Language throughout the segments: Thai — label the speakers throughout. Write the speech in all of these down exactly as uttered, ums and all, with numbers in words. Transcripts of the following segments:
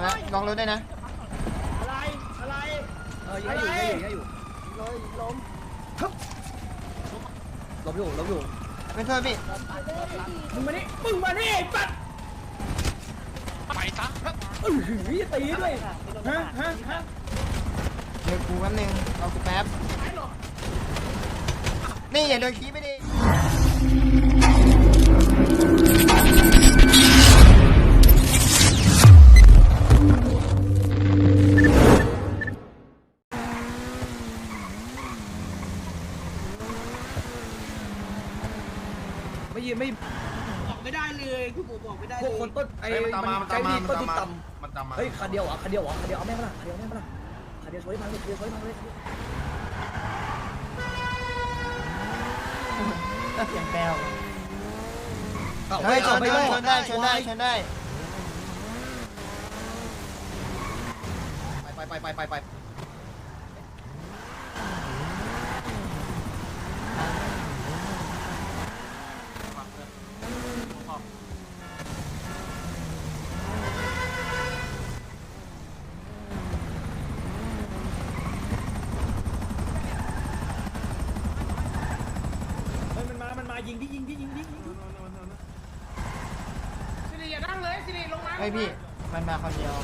Speaker 1: แล้วลองรถได้นะ
Speaker 2: อะไรอะไร
Speaker 3: เออยิงให้อยู่ยิงให้อยู่เลยล้มล้มอยู่ล้มอยู่
Speaker 1: ไม่โทษพี่
Speaker 2: มึงมานี่มึงมานี่ปัด
Speaker 4: ไปซะ
Speaker 2: เออตีด้วยฮะฮะฮะ
Speaker 1: เดี๋ยวกูแป๊บนึงเอากูแป๊บนี่อย่าโดนขี้ไปดิ
Speaker 3: ไม่ยืนไม่
Speaker 2: บอกไม่ได้เลยคุณปู่บอกไม่ได้เลย
Speaker 3: พวกคนต้นไอ้มันใกล้มีต้นที่ต่ำเฮ้ยคันเดียวอ่ะคันเดียวอ่ะคันเดียวเอาแม่มาละคันเดียวแม่มาละคันเดียวช่วยมันเลยคันเดียวช่วยมันเลย
Speaker 1: อย่างแก้วเฮ้ยชนได้ชนได้ชนได้ชนได้
Speaker 3: ไปไปไปไปไป
Speaker 2: ยิงดิยิงดิยิงดิยิงดิสิริอย่านั่งเลยสิริลงมา
Speaker 1: เฮ้ยพี่มันมาคนเดียว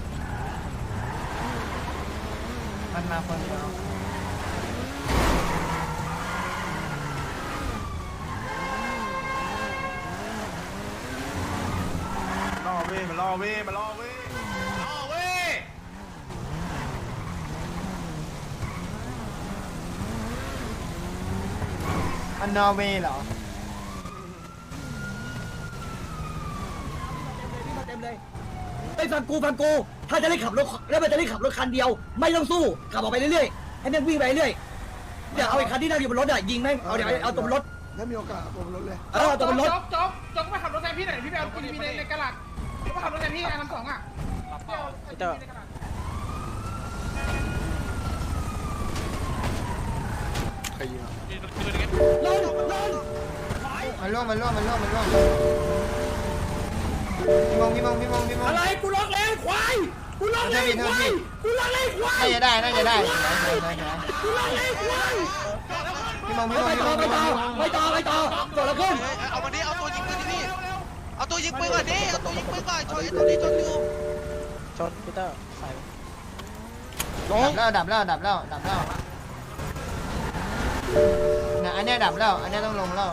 Speaker 1: มันมาคนเดียว
Speaker 4: ล่อเว้ยมันล่อเว้ยมันล่อเว้ยล่อเว้ย
Speaker 1: มันนอร์เวย์เหรอ
Speaker 3: ไอ้ฟังกูฟังกูถ้าจะได้ขับรถแล้วมันจะได้ขับรถคันเดียวไม่ต้องสู้ขับออกไปเรื่อยๆให้แม่งวิ่งไปเรื่อยเดี๋ยวเอาไอ้คันที่นั่งอยู่บนรถอ่ะยิงแม่งเอาเดี๋ยวเอาตัวบนรถ
Speaker 5: ถ้ามีโอกาสตัวบนรถเลย
Speaker 3: เออตัวบนรถ
Speaker 2: จ๊อกจ๊อกจ๊อกมาขับรถแทนพี่หน่อยพี่ไปเอากินมีในในกระดาษมาขับรถแทนพี่ไอ้ทั้งสองอ่ะเจ้า
Speaker 5: ใครยิงอ่ะ
Speaker 3: ลงลง
Speaker 1: มันล่วงมันล่วงมันล่วงมันล่วงพี่มงพี่มงพี่มงพี่มง
Speaker 2: อะไรกูล็อกแล้วควายกูล็อกแล้วควายกูล็อกแล้วควาย
Speaker 1: น่าจะได้น่าจะได้
Speaker 2: กูล็อกแล้วควาย
Speaker 1: พี่มงพี่มง
Speaker 3: ไป
Speaker 1: พี่ม
Speaker 3: ต่อง ไปต่อไปต่อไปต่อต่อแล้วขึ้น
Speaker 4: เอามาดิเอาตัวยิงปืนดิพี่เอาตัวยิงปืนก่อนดิเอาตัวยิงปืนก่อนชนไอ้ตัวนี้ชนอยู่
Speaker 1: ชนพีเตอร์ใส่ลงแล้วดับแล้วดับแล้วดับแล้วนะอันนี้ดับแล้วอันนี้ต้องลงแล้ว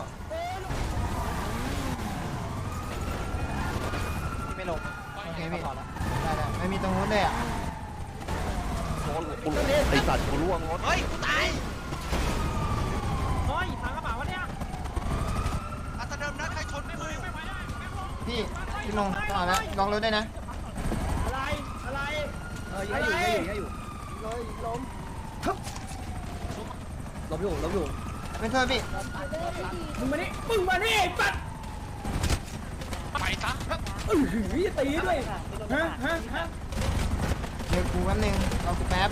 Speaker 1: ไม่ลงโอเคพี่ได้ได้ไม่มีตรงนู้นเลยอ่ะ
Speaker 4: ไอสัตว์กูร่วงรถเฮ้ยกูตาย
Speaker 2: เฮ้ยพังกระเป๋าวะเนี่ย
Speaker 4: อัตเดิมนะใครชนไม่ไหวไม่ไหว
Speaker 1: พี่พี่มงต่อแล้วลองรถได้นะ
Speaker 2: อะไรอะไร
Speaker 3: เออยิงให้อยู่ยิงให้อยู่เลยล้มล้มอยู่ล้มอยู่
Speaker 1: ไม่โทษพี่
Speaker 2: มึงมานี่มึงมานี่ปัด
Speaker 4: ไปซะ
Speaker 2: เออตีด้วยฮะฮะฮะ
Speaker 1: เดี๋ยวกูแป๊บนึงเอากูแป๊บ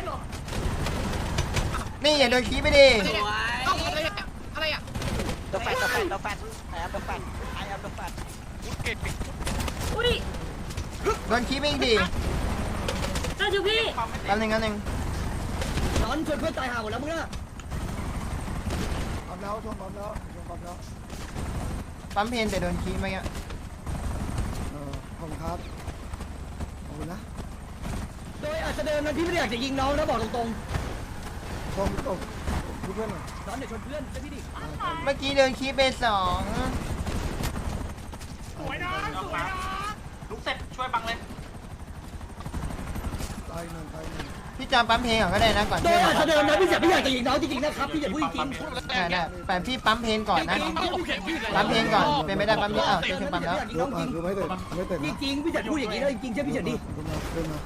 Speaker 1: นี่อย่าโดนขี้ไปดิ
Speaker 2: อะไรอ่ะ
Speaker 3: เดอะแฟนเดอะแฟนเดอะแฟนไอแอมเดอะแฟนไอแอมเดอะแฟน
Speaker 4: กูเก่งปิด
Speaker 2: อุ้ย
Speaker 1: โดนขี้ไปอีกดิ
Speaker 2: จ้าจูพี่
Speaker 1: แป๊บนึงแป๊บนึง
Speaker 3: ร้อนชวนเพื่อนตายห่าหมดแล้วมึงน่ะ
Speaker 5: ปั๊มแล้วชนปั๊มแล้วชนปั๊มแล้ว
Speaker 1: ปั๊มเพนแต่โดนขี้เมื่อกี้
Speaker 5: เออขอบคุณครับขอบคุณนะ
Speaker 3: โดยอาจจะเดินนั้นพี่ไม่ได้อยากจะยิงน้องนะบอกตรง
Speaker 5: ๆตรงตรงเพื่อนหน่อย
Speaker 3: ร้อนเดี๋ยวชนเพื่อนใช่พี่ดิ
Speaker 1: เมื่อกี้โดนขี้ไปสอง
Speaker 2: สวยนะสวยนะลุกเสร็จช่วยบังเลย
Speaker 5: ตายหนึ่งตายหนึ่ง
Speaker 1: พี่จำปั๊มเพลงก่อนก็ได้นะก่อน
Speaker 3: โดยอาจจะเดินนั้นพี่อยากไม่อยากจะยิงน้องจริงๆนะครับพี่อย่าพูดจริง
Speaker 1: ได้ได้แต่พี่ปั๊มเพลงก่อนนะปั๊มเพลงก่อนเป็นไม่ได้ปั๊มเพลงอ้าวเจอเพลงปั๊มแล้ว
Speaker 5: รถอ่ะคือไม่เต็มไม่เต็ม
Speaker 3: จริงพี่จะพูดอย่างนี้แล้วจริงๆใช่พี่เฉินดิ
Speaker 5: ขึ้นมาขึ้นมา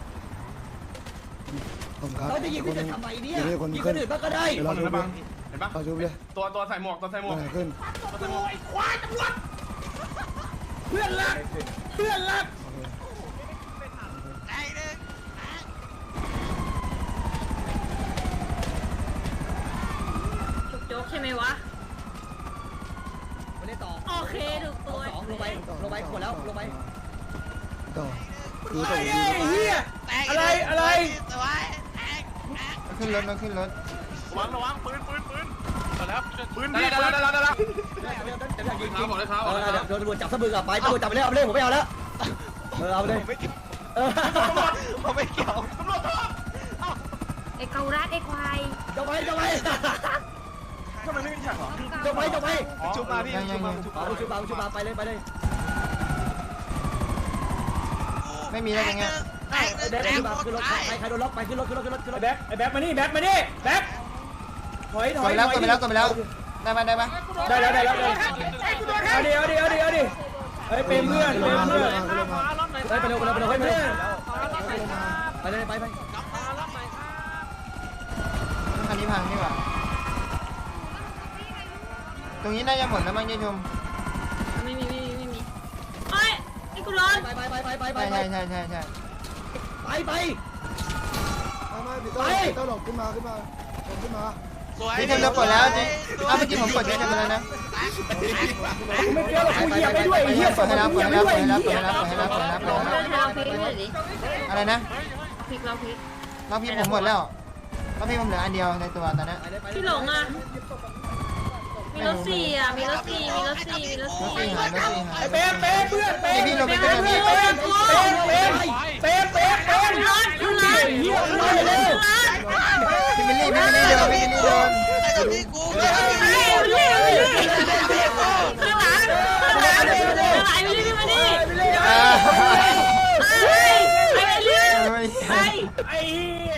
Speaker 5: ผมครับ
Speaker 3: เราจะยิงพี่จะทำไมเนี่ยยิงคนอื่นบ้างก็ได้
Speaker 5: เราชูไป
Speaker 4: เห็นปะ
Speaker 5: เราชูไปเลย
Speaker 4: ตัวตัวใส่หมวกตัวใส่หมวก
Speaker 5: ขึ้น
Speaker 2: ไอ้ควายตำรวจเพื่อนรักเพื่อนรัก
Speaker 4: ไอ้เด็ก
Speaker 6: โจ๊กใช่ไหมวะ
Speaker 3: ไปเล่นต่อ
Speaker 6: โอเคถูกตัว
Speaker 3: สองลงไปลงไปหมดแล้วลงไป
Speaker 5: ต่อคือ
Speaker 3: ไอ้
Speaker 5: ส่ง
Speaker 3: เหี้ยอะไรอะไร
Speaker 4: สวย
Speaker 1: ขึ้นรถมาขึ้นรถ
Speaker 7: ระวังระวังปืนปืนปืนมาแล้วปืน
Speaker 2: ได้
Speaker 7: พี่
Speaker 2: แล้วได้แล้วได้แล้ว
Speaker 7: ยิงเท้าบอกเลยเท้า
Speaker 3: เออเดี๋ยวโดนตำรวจจับสะบึกอ่ะไปตำรวจจับไปเลยเอาไปเลยผมไม่เอาแล้วเออเอาไปเลยเออ
Speaker 4: ผมไม่เกี่ยว
Speaker 6: ไอ้เกาลัดไอ้ควาย
Speaker 3: จะไปจะไป
Speaker 7: ทำไมไม่มีแท็กหรอ
Speaker 3: จะไปจะไป
Speaker 4: ชุบมาพี่ชุบมาชุบ
Speaker 3: เอาชุบมาชุบมาไปเลยไปเลย
Speaker 1: ไม่มีแล้วอย่างเงี้ย
Speaker 4: แตก
Speaker 3: แบ็ค
Speaker 4: แตก
Speaker 3: ขึ้น
Speaker 4: หม
Speaker 3: มา
Speaker 4: ด
Speaker 3: ขึ้นรถ
Speaker 4: ตาย
Speaker 3: ใครใครโดนล็อกไปขึ้นรถขึ้นรถขึ้นรถขึ้นรถ
Speaker 8: แบ็คไอ้แบ็คมานี่แบ็คมานี่แบ็คถอยถ
Speaker 1: ก
Speaker 8: อ
Speaker 1: ด
Speaker 8: ย
Speaker 1: ไปแล้วกดไปแล้วกดไปแล้วได้ปะได้ปะ
Speaker 8: ได้แล้วได้แล้วได้เอาดิเอาดิเอาดิเอาดิเฮ้ยเป็นเพื่อนเป็นเพื่อน
Speaker 3: ไปไปเร็วไปเร็วไปเร็วไปเร็วไปเลยไปไป
Speaker 1: คันนี้พังนี่หว่าตรงนี้น่าจะหมดแล้วมั้งยายชม
Speaker 6: ไม่มีไม่มีไม่มีเอ้ยไอ้กูร้อน
Speaker 3: ไปไปไปไปไปไป
Speaker 1: ใช่ใช่ใช่ใช่ใช่
Speaker 3: ไปไป
Speaker 5: ไม่ไม่พี่ต้องพี่ต้องหลบขึ้นมาขึ้นมาหลบขึ้นมา
Speaker 4: สวย
Speaker 1: พี่ชมเรากดแล้วจริงอ้าวเมื่อกี้ผมกดยายชมไปแล้วนะ
Speaker 8: กูไม่เกี่ยวหรอกกูเหยียบไปด้วยไอ้เหี้ย
Speaker 1: ก
Speaker 8: ส่
Speaker 1: ด
Speaker 8: ง
Speaker 1: ให้
Speaker 8: มา
Speaker 1: แล้ว
Speaker 8: กู
Speaker 1: ก
Speaker 8: เห
Speaker 1: ด
Speaker 8: ยียบ
Speaker 1: ให้
Speaker 8: ไป
Speaker 1: แล้ว
Speaker 8: ด้วย
Speaker 1: กดให้แล้วกดให้แล้วกดให้แล้วกดให้แล้วกดให้แล้ว
Speaker 6: เราพลิกหน่อยดิ
Speaker 1: อะไรนะ
Speaker 6: พลิกเราพลิก
Speaker 1: รอบพี่ผมหมดแล้วรอบพี่ผมเหลืออันเดียวในตัวตอนนี้
Speaker 6: พี่หลงอ่ะมีรถสี่อ่ะมีรถสี่มีรถสี่มีรถ
Speaker 1: รถ
Speaker 6: สี่
Speaker 1: สี่หายรถสี่หาย
Speaker 8: ไอ้เป๊ะเป๊ะเพื่อนเป๊ะ
Speaker 1: นี่พี่ลงไปขึ้น
Speaker 8: เป๊ะ
Speaker 1: แบบ
Speaker 8: เป๊ะ
Speaker 1: นี้
Speaker 8: เป๊ะเป๊ะเป๊ะเป๊ะเป๊ะ
Speaker 6: รถรถรถ
Speaker 8: เหี้ย
Speaker 6: รถรถ
Speaker 1: พี่มิลลี่พี่มิลลี่เดินพี่มิลลี่เดิน
Speaker 4: ไอ้กับพี่กู
Speaker 6: ไอ้เรื่อยเรื่อยข้างหลังข้างหลังข้างหลังไอ้เรื่อยมาดิ
Speaker 1: อ่า
Speaker 6: ไอ้ไอ้เรื่อยไอ้
Speaker 8: ไอ้เหี้ย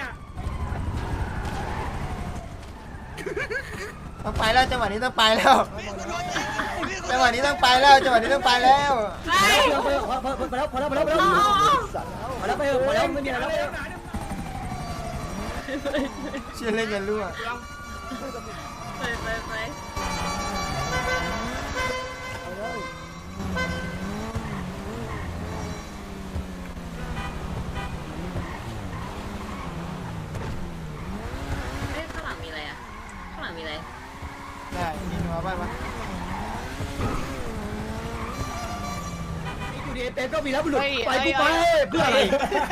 Speaker 1: ต้องไปแล้วจังหวะนี้ต้องไปแล้วจังหวะนี้ต้องไปแล้วจังหวะนี้ต้องไปแล้ว
Speaker 6: ไอ้
Speaker 3: ไปแล้วไปแล้วไปแล้วไปแล้วไปแล้วไปแล้วไปแล้วไปแล้วไม่มีอะไรแล้ว
Speaker 1: เชื่อเล่นยันรั่ว
Speaker 6: ไปไปไปเอ๊ะข้างหลังมีอะไรอ่ะข้างหลังมีอะไร
Speaker 1: ได้ยิงหัวไปปะ
Speaker 3: อยู่ดีเต็มก็มีแล้วบุรุษไปกูไปเพื่ออะไร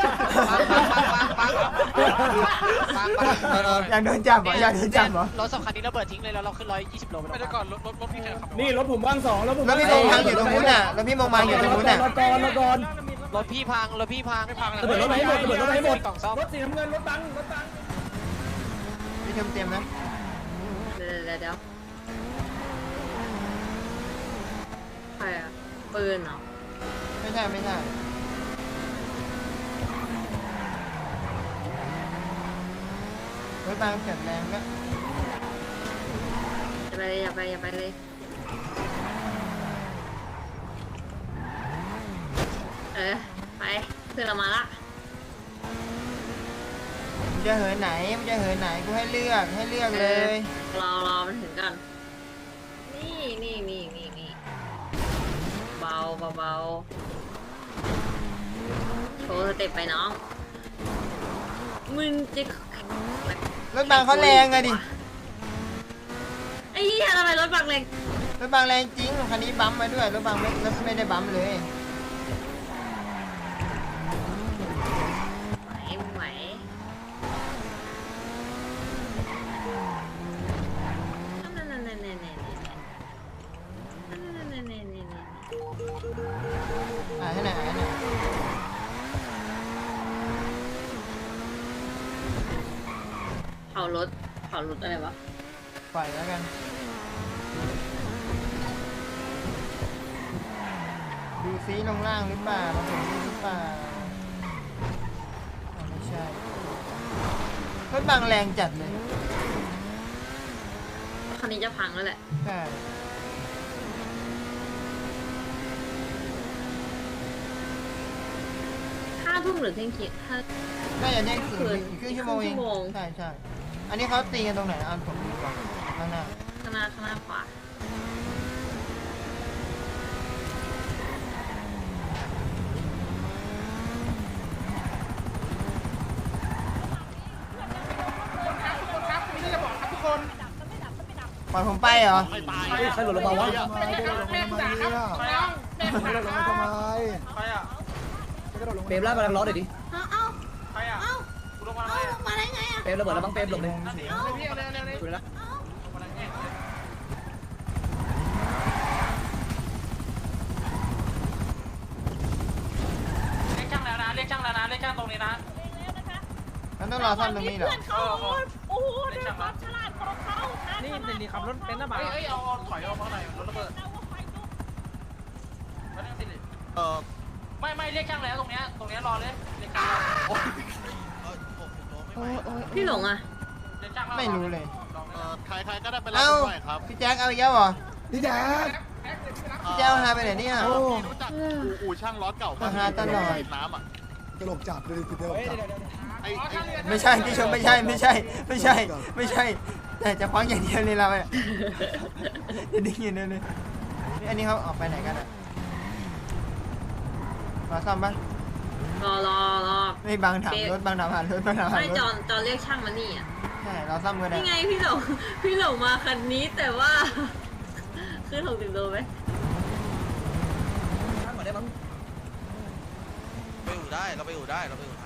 Speaker 4: ปังปังปังปังปังปัง
Speaker 1: อยากโดนจับเหรออยากโดนจับเหรอ
Speaker 4: รถสองคันนี้ระเบิดทิ้งเลยแล้วเราขึ้นร้อยยี่สิบโลไป
Speaker 7: ไม่ได้ก่อนรถรถรถพี่แขกขับ
Speaker 8: นี่รถผมว่างสองแล้วผม
Speaker 1: แล้วพี่มงพังอยู่ตรงนู้นน่ะแล้วพี่มงพังอยู่ตรงนู้นน่ะ
Speaker 3: รถก่อนรถก่อน
Speaker 4: รถพี่พังรถพี่พัง
Speaker 7: ไม่พัง
Speaker 3: ระเบิดรถให้หมดระเบิดรถให้หมด
Speaker 4: กล่องซ่อม
Speaker 8: รถสีน้ำเงินรถบังรถบัง
Speaker 1: พี่ชมเตรียมนะ
Speaker 6: เดี๋ยวเดี๋ยวเดี๋ยวใครอ่ะปืนเหรอ
Speaker 1: ไม่ใช่ไม่ใช่รถบางเกิดแรงก็
Speaker 6: อย่าไปเลยอย่าไปอย่าไปเลยเออไปเพื่อนเรามาละ
Speaker 1: มันจะเหินไหนมันจะเหินไหนกูให้เลือกให้เลือกเลย
Speaker 6: รอรอมันถึงก่อนนี่นี่นี่นี่นี่เบาเบาเบาโชว์สเต็ปไปน้องมึงจะ
Speaker 1: รถบางเขาแรงอะดิ
Speaker 6: ไอ้เหี้ยทำไมรถบังแรง
Speaker 1: รถบางแรงจริงคันนี้บัมป์มาด้วยรถบางไม่รถไม่ได้บัมป์เลย
Speaker 6: ไหวมึงไหวนั่นนั่นนั่นนั่นนั่นนั่นนั่นนั่นนั่นนั่น
Speaker 1: อ่าให้ไหนอยอ่าให้ไหนอย
Speaker 6: เผารถเผารถอะไรวะ
Speaker 1: ปล่อยแล้วกันดูซีลงล่างหรือเปล่ามาถึงนี่หรือเปล่าอ่าไม่ใช่รถบางแรงจัดเลย
Speaker 6: คันนี้จะพังแล้วแหละ
Speaker 1: ใช่
Speaker 6: ห้าทุ่มหรือเที่ยงคืนห้า
Speaker 1: น่าจะได้ถึง
Speaker 6: คืน
Speaker 1: ครึ่งชั่วโมงเอง
Speaker 6: ครึ่งชั่วโมง
Speaker 1: ใช่ใช่อันนี้เขาตีกันตรงไหนนะอันผมดูก่อนข้างหน้า
Speaker 6: ข้างหน้าข้างหน้าขวา
Speaker 2: ครับมีเรื่องจะบอกครับทุกคน
Speaker 1: ปล่อยผมไปเหรอ
Speaker 3: ใครหล่นลงมาวะ
Speaker 5: ทำไมได้ลงมาทำไมเนี่ย
Speaker 2: น้องแม่
Speaker 5: ไม่ได้ลงมาทำไม
Speaker 7: ใครอ่ะ
Speaker 5: ไม่กระโดด
Speaker 3: เปรมล่ากำลังล้อหน่อยดิ
Speaker 6: เอาเอา
Speaker 7: ใครอ่ะ
Speaker 6: เอา
Speaker 7: กูลงมา
Speaker 6: เอา
Speaker 7: อะไร
Speaker 6: ลงมาได้ไงอ่ะ
Speaker 3: เปรมระเบิดแล้วบ้างเปรมหลบเลย
Speaker 2: เดี๋ยวพี่เอาเร็วเร็วเร็ว
Speaker 3: ดูนะ
Speaker 7: เรียกช่างแล้วนะเรียกช่างแล้วนะเรียกช่างตรงนี้นะ
Speaker 1: มันต้องรอซ่อมตรงนี้เหรอ
Speaker 6: เขาโอ้โหด้วยความฉลาดของเขา
Speaker 8: นี่นี่ขับรถเป็นหรือเปล่า
Speaker 7: เฮ้ยเฮ้ยเอาถอยออกมาหน่อยรถระเบิดมาเรื่องสิเออไม่ไม่เรียกช่างแล้วตรงเนี้ยตรงเนี้ยรอเลยเรียกช่างโอ้ย
Speaker 4: เออผมผมโดนไม่ไหว
Speaker 6: พี่หลงอ่ะ
Speaker 7: เรียกช่าง
Speaker 1: ไม่รู้เลย
Speaker 7: เออใครใครก็ได้ไปรับ
Speaker 1: เอ้า
Speaker 7: หน่อยครับ
Speaker 1: พี่แจ็คเอาอีกแล้วเหรอ
Speaker 5: พี่แจ๊ค
Speaker 1: พี่แจ็คหายไปไหนเนี่ย
Speaker 5: โอ้
Speaker 7: รู้จักอู่ช่างล้อเก่า
Speaker 1: มาหาตลอด
Speaker 7: น้ำอ่ะ
Speaker 5: ตลกจัดเลยติดตลกจัด
Speaker 7: ไอ้ไอ้
Speaker 1: ไม่ใช่พี่ชมไม่ใช่ไม่ใช่ไม่ใช่ไม่ใช่ แต่จะคว้างอย่างเดียวเลยเราเนี่ยจะดิ้งอยู่เนี่ยเลยอันนี้เขาออกไปไหนกันอ่ะรอซ่อมปะ
Speaker 6: รอรอรอ
Speaker 1: ไม่บางถามรถบางถามผ่านรถบางถามผ่าน
Speaker 6: ไม่
Speaker 1: รถ
Speaker 6: จอนจอนเรียกช่างมานี่อ่ะ
Speaker 1: ใช่เราซ่อมกันได้
Speaker 6: นี่ไงพี่หลงพี่หลงมาคันนี้แต่ว่าขึ้นหกสิบโลไหม
Speaker 3: ข้างก่อนได้มั้ง
Speaker 4: ไปอยู่ได้เราไปอยู่ได้เราไปอยู่